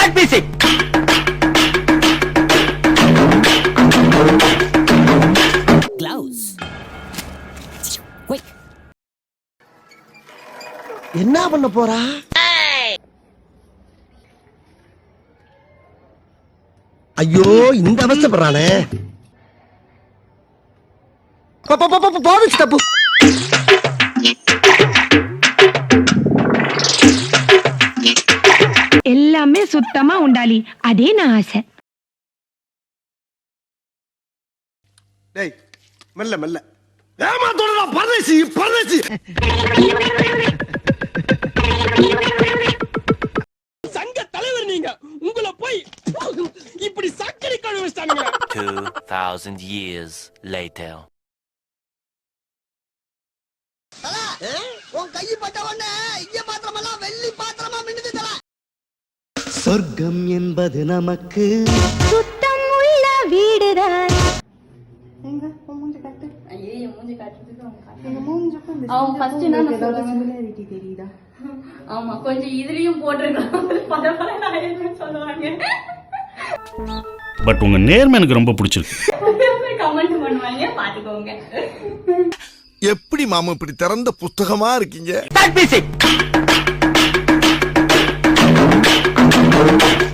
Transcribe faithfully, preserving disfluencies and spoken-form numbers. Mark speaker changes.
Speaker 1: Gloves. Quick.
Speaker 2: என்ன பண்ண போறா? ஐயோ இந்த அவசரப்படுறானே. போவிச்சு தப்பு.
Speaker 3: எல்லாமே சுத்தமா உண்டாலி, அதே நான் ஆசை.
Speaker 2: டேய் மெல்ல மெல்ல. ஏமாத்தோடா பரதேசி பரதேசி.
Speaker 4: சங்க தலைவர் நீங்க, உங்களை போய் இப்படி சக்கரை கழுவி வச்சிட்டானுங்க.
Speaker 5: two thousand years later.
Speaker 2: உன் கை பட்ட உடனே இங்க பாத்திரமெல்லாம் வெள்ளி பாத்திரமா மின்னுது தல.
Speaker 6: சொர்க்கம் என்பது நமக்கு
Speaker 3: சுத்தம் உள்ள வீடுதான்.
Speaker 7: எங்க மூஞ்சி காட்டு.
Speaker 8: ஐயே மூஞ்சி காட்டுறதுக்கு அவங்க காட்டுறாங்க.
Speaker 7: எங்க மூஞ்சிக்கும் இந்த
Speaker 8: அவங்க ஃபர்ஸ்ட் என்ன சொல்றாங்க?
Speaker 7: சிமிலாரிட்டி தெரியுதா?
Speaker 8: ஆமா கொஞ்சம் இதுலயும் போட்டுருக்கலாம். பரவாயில்ல நான் என்ன சொல்லுவாங்க.
Speaker 9: பட் உங்க நேர்மை எனக்கு ரொம்ப பிடிச்சிருக்கு.
Speaker 8: கமெண்ட் பண்ணுவாங்க பாத்துக்கோங்க.
Speaker 2: எப்படி மாமா இப்படி திறந்த புத்தகமா இருக்கீங்க?